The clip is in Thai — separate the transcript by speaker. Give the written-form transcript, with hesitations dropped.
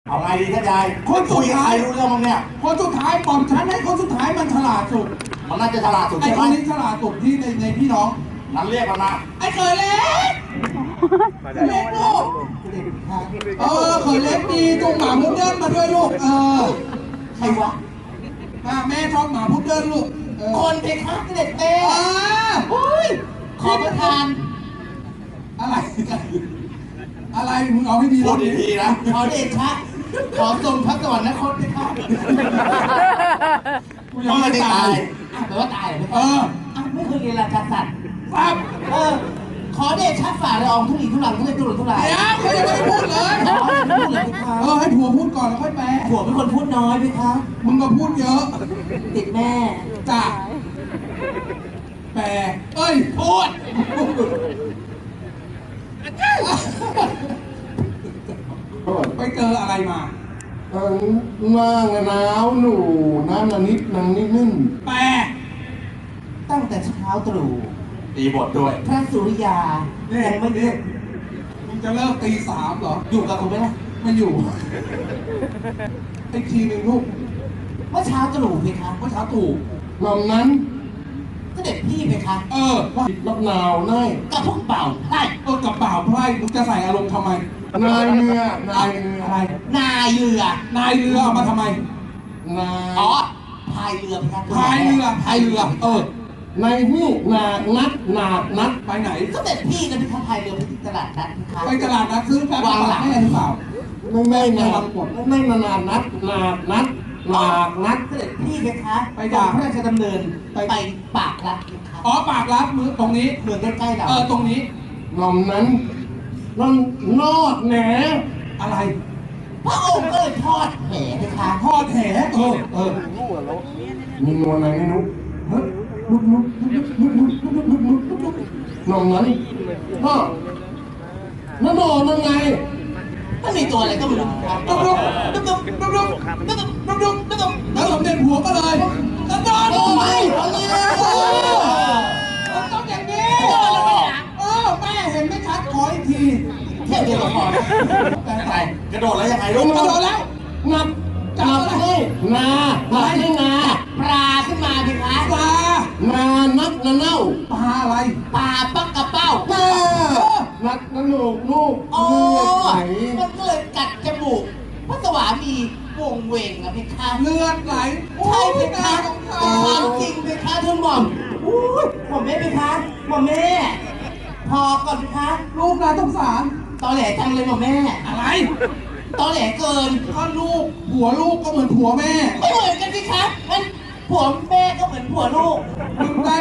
Speaker 1: เอาไงดีท่านยาย
Speaker 2: คนสุดท้าย
Speaker 1: รู้เรื่องมั้งเนี่ย
Speaker 2: คนสุดท้ายปอมฉันให้คนสุดท้ายมันฉลาดสุด
Speaker 1: มันน่าจะฉลาดสุด
Speaker 2: ไอ้
Speaker 1: ใช่ไห
Speaker 2: ค
Speaker 1: ม
Speaker 2: นนี้ฉลาดสุดที่ในพี่น้อง
Speaker 1: นั้นเรียกมันมา
Speaker 2: ไอ้เคยเล็กเล็กลูกเคยเล็กดีจุงหมาพุดเดิ้ลมาด้วยลูก
Speaker 1: ใครวะ
Speaker 2: แม่ชอบหมาพุดเดิ้ลลูก
Speaker 1: คนเพคะเด็กเต้โอ้ยขอประทาน
Speaker 2: อะไรมึงเอาให้ดี
Speaker 1: พูดดีๆนะขอเดชะขอทรงพระสวรรคตเพคะ
Speaker 2: ยังไม่ตาย
Speaker 1: แปลว่าตายเหรอไม่เคยเรียนราชาศัพท์
Speaker 2: ครับ
Speaker 1: ขอเดชะฝ่าละอองทุลีทุลังทุเลทุรนทุราย
Speaker 2: เดี๋ยวเขายังไม่พูดเลยให้ผัวพูดก่อนแล้วค่อยแปล
Speaker 1: ผัวเป็นคนพูดน้อยไหมคะ
Speaker 2: มึงก็พูดเยอะ
Speaker 1: ติดแม่
Speaker 2: จ้ะแปล
Speaker 1: พูด
Speaker 2: ไปเจออะไรมา
Speaker 3: หน้าหนาวหนูน้ำนิดนังนิดนึ่ง
Speaker 2: แปล
Speaker 1: ตั้งแต่เช้าตรู่
Speaker 2: ตีบทด้วย
Speaker 1: พระสุริยายังไม่เลิก
Speaker 2: มึงจะเลิกตี 3เหรอ
Speaker 1: อยู่กับผมไหมล่ะ
Speaker 2: ไม่อยู่ไอ้ทีหนึ่งลูก
Speaker 1: เมื่อเช้าตรู่เพคะ
Speaker 2: เมื่อเช้าตู่
Speaker 3: ลำนั้น
Speaker 1: ก็เด็กพี่เพคะ
Speaker 3: ว่าลำหนาวได้
Speaker 1: กับพวกเป่าไพ่
Speaker 2: กับเปล่าไพ่มึงจะใส่อารมณ์ทำไม
Speaker 3: นายเรือ
Speaker 2: อะไร
Speaker 1: นายเรือ
Speaker 2: เอามาทำไม
Speaker 1: พายเรือเพคะ
Speaker 2: พายเรือ
Speaker 3: ในนี่นัด
Speaker 2: ไปไหน
Speaker 1: ก็เด็กพี่นะเพคะพายเรือไปที่ตลาดนัดเพคะ
Speaker 2: ไปตลาดนัดซื้อแบบวางหลังให้หรือเปล่า
Speaker 3: ไม่นานนัด
Speaker 1: เสด็จพี่เพคะไปจากพระราชดำเนินไปปากรัดเพคะ
Speaker 2: ปากรัดมือตรงนี้
Speaker 1: เมืองใกล้ๆเรา
Speaker 2: ตรงนี้
Speaker 3: ลำนั้นนอดแหน
Speaker 2: อะไร
Speaker 1: พระองค์ก็เลยทอดแหเพคะ
Speaker 2: ทอดแห
Speaker 3: มีนวลอะไรไม่รู้นองนั้นก็นั่นโดนยังไง
Speaker 1: มันมีตัวอะไรก็ไม่รู้
Speaker 2: ดุ๊กแล้วสมเด็จหัวก็เลยแล้วโดน
Speaker 1: โอ้ย
Speaker 2: มันต้องอย่างนี้แม่เห็นไม่ชัดขออีกที
Speaker 1: เที่ยวเดียวพอ
Speaker 2: แต่
Speaker 1: กระโดดแล้วยังไงลูก
Speaker 2: กระโดดแล้ว
Speaker 3: นับให้นาปลา
Speaker 1: ขึ้นมาพี่คะ
Speaker 2: ปลา
Speaker 3: นักเน่า
Speaker 2: ปลาอะไร
Speaker 1: ปลาปักกระเป้า
Speaker 3: นักลูก
Speaker 1: มันก็เลยกัดจมูกพระสวามีวงเวงอะพี่คะ
Speaker 2: เลือดไหล
Speaker 1: ใช่พี่คะความจริงพี่คะทุนหม่อมหม่อมแม่พี่คะหม่อมแม่พอก่อนพี่คะ
Speaker 2: ลูกน่าสงสาร
Speaker 1: ตอแหลจังเลยหม่อมแม่
Speaker 2: อะไร
Speaker 1: ตอแหลเกิน
Speaker 2: ก็ลูกผัวลูกก็เหมือนผัวแม่
Speaker 1: ไม่เหมือนกันพี่คะมันผัวแม่ก็เหมือนผัวลูก
Speaker 2: มึงได้